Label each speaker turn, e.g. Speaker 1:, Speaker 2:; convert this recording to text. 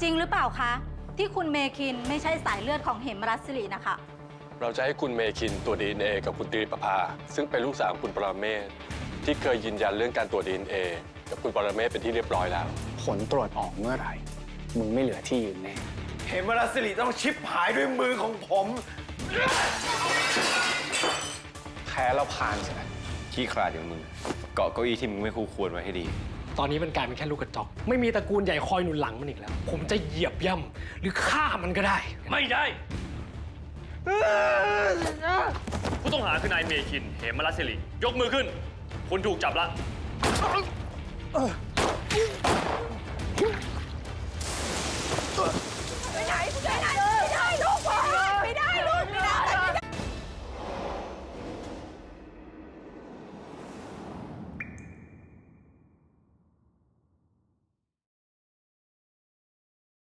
Speaker 1: จริงหรือเปล่าคะที่คุณเมคินไม่ใช่สายเลือดของเหมรัตน์สิรินะคะ
Speaker 2: เราจะให้คุณเมคินตรวจ DNA กับคุณตรีประภาซึ่งเป็นลูกสาวคุณปรเมศที่เคยยืนยันเรื่องการตรวจ DNA กับคุณปรเมศเป็นที่เรียบร้อยแล้ว
Speaker 3: ผลตรวจออกเมื่อไหร่มึงไม่เหลือที่ยืนแน่
Speaker 4: เหมรัตน์สิริต้องชิบหายด้วยมือของผม
Speaker 3: แพ้แล้วพานใช่ไหม
Speaker 5: ขี้ขลาดอย่างมึงเกาะเก้าอี้ที่มึงไม่คู่ควรไว้ให้ดี
Speaker 6: ตอนนี้มันกลายเป็นแค่ลูกกระจอกไม่มีตระกูลใหญ่คอยหนุนหลังมันอีกแล้ว ผมจะเหยียบย่ำหรือฆ่ามันก็ได้
Speaker 7: ไม่ได้ ผู้ต้องหาคือนายเมคิน เหมรัตน์สิริยกมือขึ้น คุณถูกจับละ